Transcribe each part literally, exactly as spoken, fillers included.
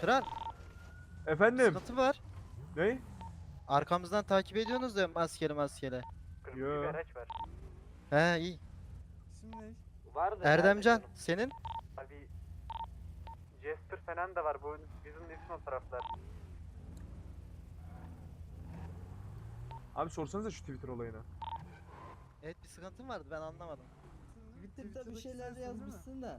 Kral, Efendim? sıkıntı var. Ne? Arkamızdan takip ediyorsunuz da maskeli maskeli. Kırmızı Yo. bir araç var. He iyi. İsim ne? Vardı. Erdemcan, nerede canım? senin? Abi Jester falan da var. Bu bizim nesin o taraflar. Abi sorsanıza şu Twitter olayını. Evet bir sıkıntın vardı ben anlamadım. Twitter'da bir şeyler yazmışsın da.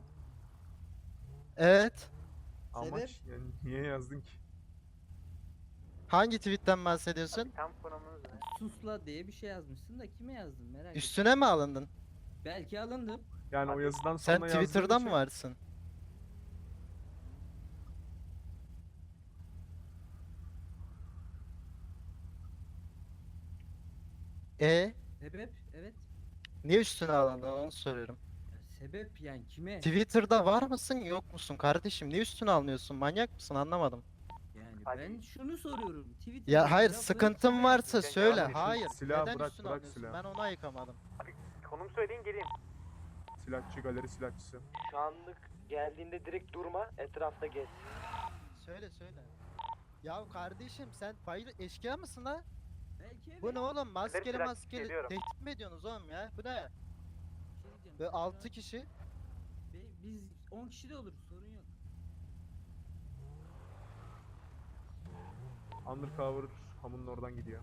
Evet. Amaç yani niye yazdın ki? Hangi tweetten bahsediyorsun? Abi tam konumunuz ne? Susla diye bir şey yazmışsın da kime yazdın merak ettim. Üstüne mi alındın? Belki alındım. Yani o Abi, yazıdan Sen sonra yazdığın Twitter'da için- mı varsın? E Sebep? Evet. niye üstüne alındın onu soruyorum. Ya sebep yani kime? Twitter'da var mısın yok musun kardeşim? Niye üstüne almıyorsun? Manyak mısın anlamadım. Yani Abi- ben şunu soruyorum. Twitter'da Ya hayır lafı sıkıntın kime- varsa Sen söyle. yanlış, Hayır. silahı Neden bırak, üstüne bırak alıyorsun? silahı. Ben onu ayıkamadım. Abi konum söyleyin geleyim. Silahçı, galeri silahçısı. Şu anlık geldiğinde direkt durma, etrafta gez. Söyle söyle. Ya kardeşim sen fayda eşkıya mısın ha? Belki evet. Bu ne oğlum? Maskeli Bırak, maskeli geliyorum. tehdit mi ediyorsunuz oğlum ya? Bu ne? Bir şey diyeceğim. Böyle Sonra altı kişi. be- Biz on kişi de oluruz sorun yok. Undercover hamunun oradan gidiyor.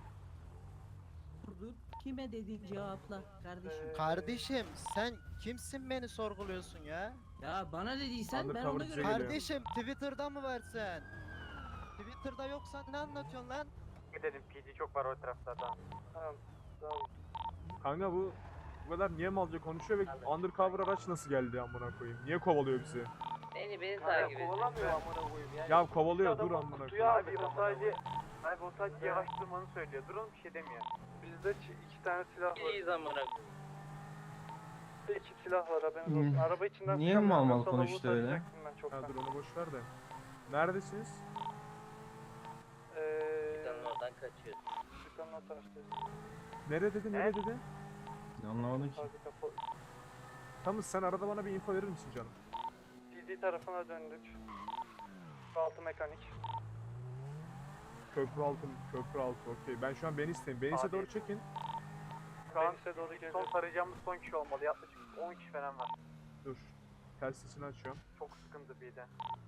Dur kime dediğin cevapla kardeşim. Ee, Kardeşim sen kimsin beni sorguluyorsun ya? Ya bana dediysen ben Undercover ona bize göre geliyor. Kardeşim Twitter'da mı varsın? Twitter'da yoksan ne anlatıyorsun lan? Gidelim. P D çok var o taraflarda. Tamam, tamam. Kanka bu bu kadar niye malca konuşuyor ve undercover araç nasıl geldi amına koyayım? Niye kovalıyor bizi? Beni beni Kanka, takip ediyor. kovalamıyor amına koyayım yani. Ya kovalıyor dur Adamı amına kutuya koyayım. Abi o sadece Abi o sadece yavaş durmanı söylüyor. Durun bir şey demiyor. Bizde iki tane silah var. İyiyiz amına. İki silah var haberiniz olsun. Hmm. Araba içinden Niye çıkamıyorum, mal mal yoksa konuştu lavuğu öyle? tarayacaktım ben çoktan. Ya dur onu boş ver de. Neredesiniz? Eee... Dükkanın oradan kaçıyoruz. Dükkanın o taraftayız. Nere dedi nere dedi? Anlamadım ki. Fabrika po... Tamam sen arada bana bir info verir misin canım? P D tarafına döndük. Altı mekanik. Köprü altı, köprü altı okey. Ben şu an Beniz'teyim. Beniz'e Abi. doğru çekin. Şu an Deniz'e doğru son geliyor. tarayacağımız son kişi olmalı. Yaklaşık on kişi falan var. Dur. Ters sesini açıyorum. Çok sıkıntı bir de.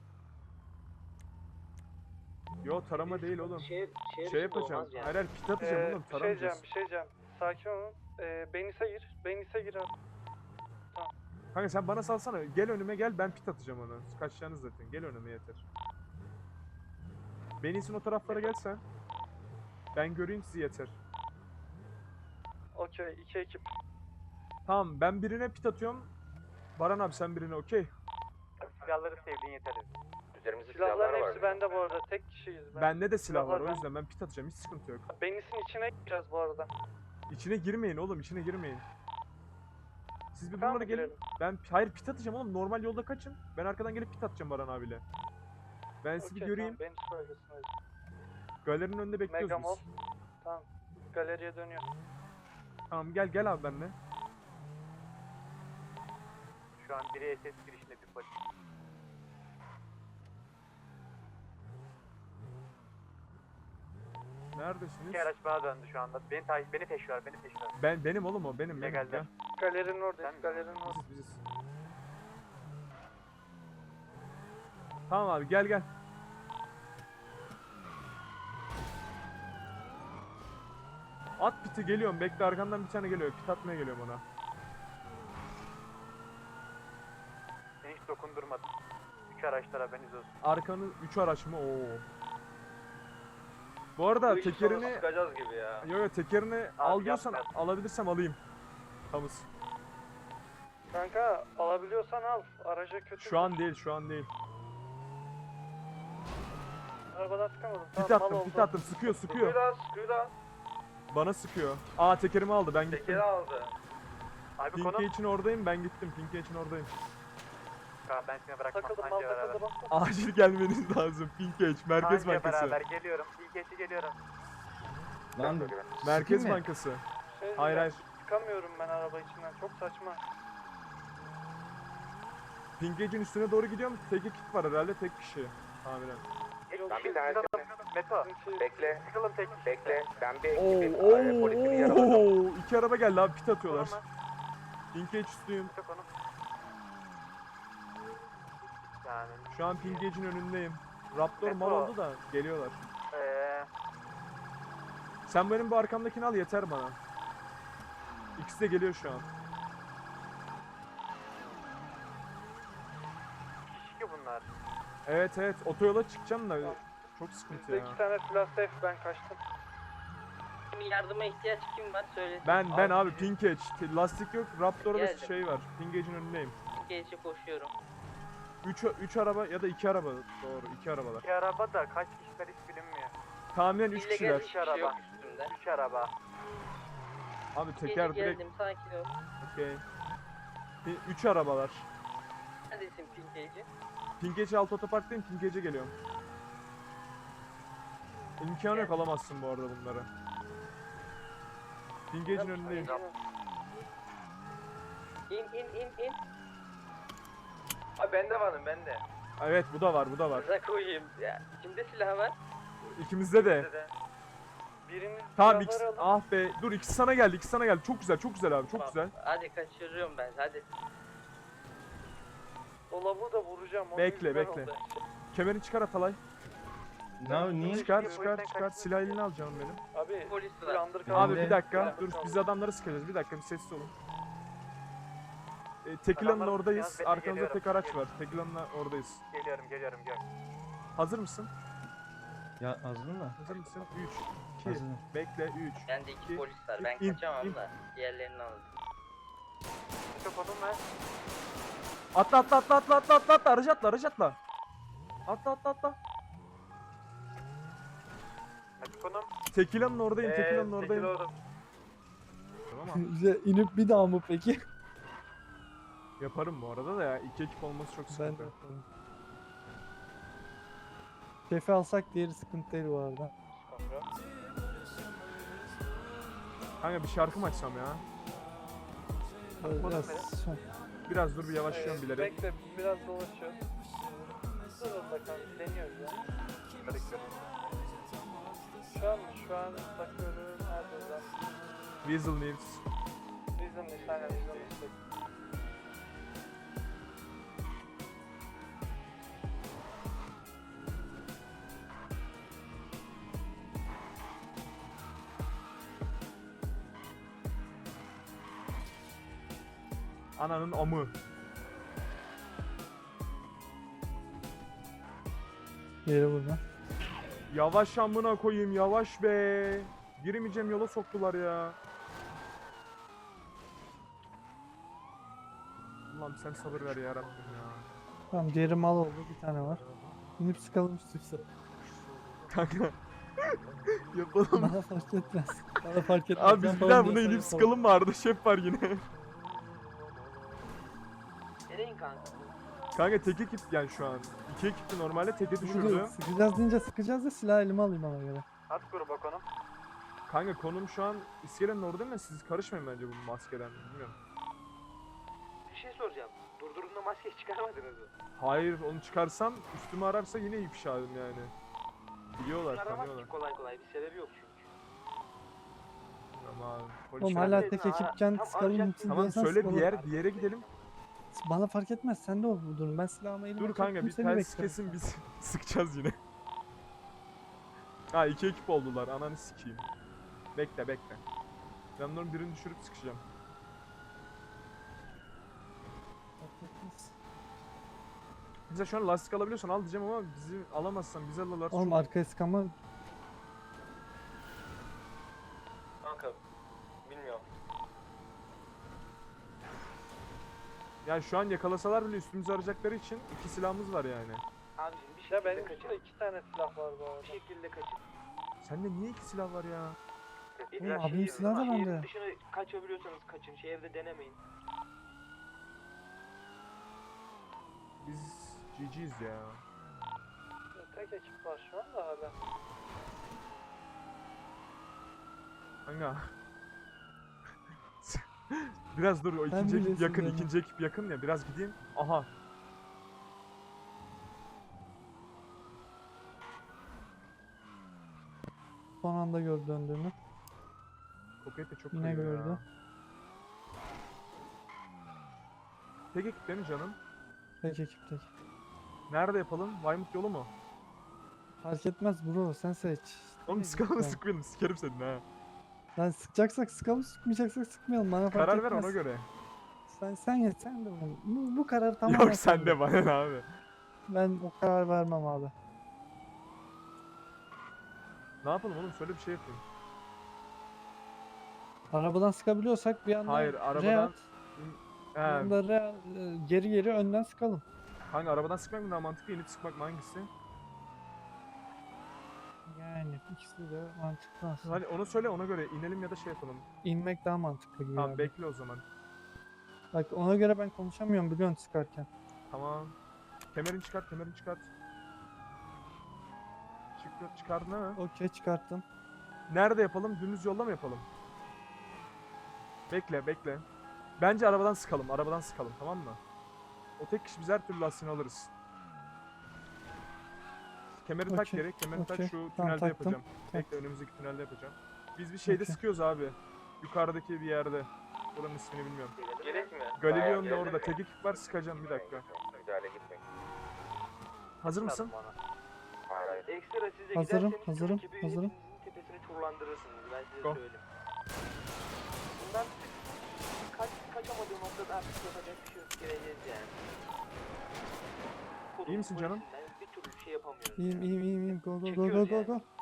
Yo tarama değil oğlum. Şehir, şehir Şey içinde yapacağım. olmaz yani. Hayır hayır pit atacağım Ee, oğlum. bir şey diyeceğim, Taramayacağız. bir şey diyeceğim. Sakin olun. Ee, Benis'e gir. Benis'e gir abi. Kanka sen bana salsana. Gel önüme gel ben pit atacağım onu. Kaçacağınız zaten. Gel önüme yeter. Beniz'in o taraflara gel sen. Ben göreyim sizi yeter. Okey, iki ekip. Tamam ben birine pit atıyorum. Baran abi sen birine okey. Silahları sevdiğin yeter. Üzerimizde Silahların hepsi bende bu arada. Tek kişiyiz. Ben. Bende de silah var Silahlar o ben- yüzden ben pit atacağım. Hiç sıkıntı yok. Benis'in içine gireceğiz bu arada. İçine girmeyin oğlum içine girmeyin. Siz bir Tamam, bunlara gelin. girelim. Ben hayır pit atacağım oğlum. Normal yolda kaçın. Ben arkadan gelip pit atacağım Baran abiyle. Ben sizi bir Okey, göreyim. Tamam, Benis bölgesindeyiz. Galerinin önünde bekliyoruz Megamall. biz. Tamam. Galeriye dönüyor. Tamam gel gel abi benimle. Şu an biri S S girişinde bir polis. Neredesiniz? İki araç bana döndü şu anda. Beni takip, beni peşiyor, beni peşiyor. Ben benim oğlum o benim. benim. Legalden. Gel. Galerinin oradayız. Sen- Galerinin orada. Biziz biziz. Tamam abi gel gel. At piti geliyorum bekle arkandan bir tane geliyor pit atmaya geliyorum ona. Beni hiç dokundurmadı. Üç araçlar haberiniz olsun. Arkanı üç araç mı? Oo. Bu arada tekerini Sıkacağız gibi ya. yo yo tekerini al diyorsan yapma. alabilirsem alayım. Tamız. Kanka alabiliyorsan al. Araca kötü. Şu an değil şu an değil. Arabadan sıkamadım. Pit Tamam, attım mal pit oldu. attım sıkıyor sıkıyor. Sıkıyor lan, sıkıyor lan. Bana sıkıyor. Aa tekerimi aldı ben gittim. Tekeri aldı. Abi Pinke konu. için oradayım ben gittim. Pinke için oradayım. Kanka ben seni bırakmam. Takıldım mal Anca beraber. takıldı bastım. Acil gelmeniz lazım. Pinke iç Merkez Anca Bankası. beraber geliyorum. İlk geçi geliyorum. Lan Merkez mi? Bankası. Şey, Hayır hayır. Çıkamıyorum ben araba içinden. Çok saçma. Pingage'in üstüne doğru gidiyorum. Tek ekip var herhalde, tek kişi. Tahminen. Ben bir tane Meto. bekle. Sıkılın tek kişi. Bekle. Ben bir Oo, ekibim. e, Polisimi yaraladım. oo, iki araba geldi abi, pit atıyorlar. Pingage üstüyüm. Çok onu. Yani Şu an Pingage'in önündeyim. Raptor mal Metro. oldu da geliyorlar. eee Sen benim bu arkamdakini al, yeter bana. İkisi de geliyor şu an. ki bunlar. Evet evet, otoyola çıkacağım da çok sıkıntı Bizde ya. iki tane silah safe, ben kaçtım. Yardıma ihtiyaç kim var söyle. Ben ben abi Pingage, lastik yok, Raptor'da Geldim. şey var. Pingage'in önündeyim. Geçe koşuyorum. üç üç araba ya da iki araba, doğru iki arabalar. İki araba da kaç kişiler hiç bilinmiyor. Tahminen üç İllegal kişiler. hiçbir şey yok üstümde. Üç araba. Abi Gece teker direkt, geldim, sakin ol. okey. üç arabalar. Neredesin Pingage'i? Pingage alt otoparktayım, Pingage'e geliyorum. İmkanı yok, alamazsın bu arada bunları. Pingage'in önündeyim. İn in in in. Abi bende varım bende. Evet, bu da var, bu da var. Rıza koyayım ya. Kimde silah var? İkimizde de. Birinin Tamam, silahları ikisi, alın. ah be, dur ikisi sana geldi, ikisi sana geldi. Çok güzel, çok güzel abi, çok Tamam, güzel. Hadi kaçırıyorum ben, hadi. O lavuğu da vuracağım. onun Bekle, yüzünden bekle. oldu. Kemerini çıkar Atalay. Ne niye? Çıkar, Bir çıkar, polisten çıkar. Silah eline al canım benim. Abi Polis bir var. undercover. Abi de- bir dakika, Ben- dur biz adamları sıkacağız. Bir dakika, bir sessiz olun. E, Tekila'nın Adamlar oradayız. sıkacağız, ben de Arkamızda geliyorum. tek araç var. Tekila'nın oradayız. Geliyorum geliyorum gel. Hazır mısın? Ya azdın mı? Hazır mısın? üç, iki, Hazırım. bekle, üç. Bende iki İki, polis var, ben in, kaçamam in. da. Diğerlerini alın. Çok odun ver. Atla atla atla atla atla atla atla, aracı atla, aracı atla. Atla atla atla. Hadi konum. Tekila'nın oradayım, Ee, Tekila'nın Tekil oradayım. orada. Tamam. Bize inip bir daha mı peki? Yaparım bu arada da ya, iki ekip olması çok Ben sıkıntı. de. Şefi alsak diğeri sıkıntı değil bu arada. Kanka bir şarkı mı açsam ya? Böyle Bakmadım biraz şey- Biraz dur, bir yavaşlıyorum bilerek. Bekle, biraz dolaşıyor. Dur bakalım, deniyoruz ya. Şu an şu an bakıyorum nerede lan? Weasel Needs. Bizim değil, aynen bizim değil. Ananın amı. yeri burada. Yavaş amına koyayım, yavaş be. Giremeyeceğim yola soktular ya. Allah'ım sen sabır ver ya Rabbim ya. Tamam diğeri mal oldu, bir tane var. İnip sıkalım üstüse. Kanka. Yapalım. Bana fark etmez. Bana fark etmez. Abi biz bir daha buna inip sıkalım mı, Arda şef var yine. Nereye kanka? Kanka tek ekip yani şu an. İki ekipti normalde, teke düşürdü. Sıkacağız deyince sıkacağız da silah elime alayım ona göre. At gruba konum. Kanka konum şu an iskelenin orada mı? Siz karışmayın bence bu maskeden. Bilmiyorum. Bir şey soracağım. Durdurduğunda maske çıkarmadınız mı? Hayır, onu çıkarsam üstümü ararsa yine ifşa edim yani. Biliyorlar, tanıyorlar. kolay kolay, bir sebebi yok çünkü. Ama polis Oğlum falan- hala tek ekipken Tam sıkalım arayacak- gitsin Tamam diyorsan söyle, bir sıkalım. yer bir yere gidelim. Bana fark etmez, sen de ol bu durum. Ben silahımı elime Dur alıp kanka, bir kimseni ters bekliyorum. kesin biz sıkacağız yine. Ha, iki ekip oldular, ananı sikeyim. Bekle bekle. Ben onların birini düşürüp sıkacağım. Fark etmez. Bize şu an lastik alabiliyorsan al diyeceğim ama bizi alamazsan bizi alırlar. Oğlum arkaya sıkama. Kanka, bilmiyorum. Yani şu an yakalasalar bile üstümüzü arayacakları için iki silahımız var yani. Abicim bir Ya şekilde benim kaçın. üstümde iki tane silah var bu Bir arada. şekilde kaçın. Sende niye iki silah var ya? Oğlum Ya abim şehir- silahı da şehrin bende. dışına kaçabiliyorsanız kaçın. Şehirde denemeyin. Biz G G'yiz ya. Tek ekip var şu anda hala. Kanka. Biraz dur, o Sen ikinci ekip bilirsin yakın, yani. ikinci ekip yakın ya, biraz gideyim. Aha. Son anda gördü döndüğünü. Koket de çok Yine kayıyor gördü. ya. Tek ekip değil mi canım? Tek ekip tek. Nerede yapalım? Vaymut yolu mu? Fark etmez bro, sen seç. Oğlum Ne sıkalım da diyeceğim? sıkmayalım. Sikerim seni ha. Lan sıkacaksak sıkalım, sıkmayacaksak sıkmayalım. Bana fark Karar ver etmez. ona göre. Sen sen ye, sen de bunu. Bu, bu karar tamamen Yok sen de bana ne abi. Ben o karar vermem abi. Ne yapalım oğlum söyle bir şey yapayım. Arabadan sıkabiliyorsak bir anda Hayır, arabadan- bir He, anda re- e, geri geri önden sıkalım. hangi arabadan sıkmak mı daha mantıklı, inip sıkmak mı, hangisi? Yani ikisi de mantıklı aslında. Hani onu söyle, ona göre inelim ya da şey yapalım. İnmek daha mantıklı gibi Tamam abi. bekle o zaman. Bak ona göre ben konuşamıyorum biliyorsun sıkarken. Tamam. Kemerini çıkart, kemerini çıkart. Çık, çıkardın ha. Okey çıkarttım. Nerede yapalım? Dümdüz yolda mı yapalım? Bekle, bekle. Bence arabadan sıkalım, arabadan sıkalım, tamam mı? O tek kişi biz her türlü lastiğini alırız. Kemerini tak Okey, gerek, kemerini tak okey. şu Tamam, tünelde taktım. yapacağım. Bekle, önümüzdeki tünelde yapacağım. Biz bir şeyde Okey. sıkıyoruz abi. Yukarıdaki bir yerde. Buranın ismini bilmiyorum. Gerek mi? Galileo da Bayağı orada. geldi Tek mi? ekip var, sıkacağım bir dakika. Müdahale gitmeyin. Hazır mısın? Hayır hayır. Ekstra size Hazırım, giderseniz hazırım, ekibi hazırım. hepinizin tepesini turlandırırsınız. Ben size Go. söyleyeyim. Bundan kaç, kaçamadığı noktada artık yapacak bir şey yok. Gireceğiz yani. Kodun İyi misin canım? polisinden bir türlü bir şey yapamıyoruz. İyiyim yani. iyiyim iyiyim iyiyim. Go go go go Çekiyoruz go yani. go.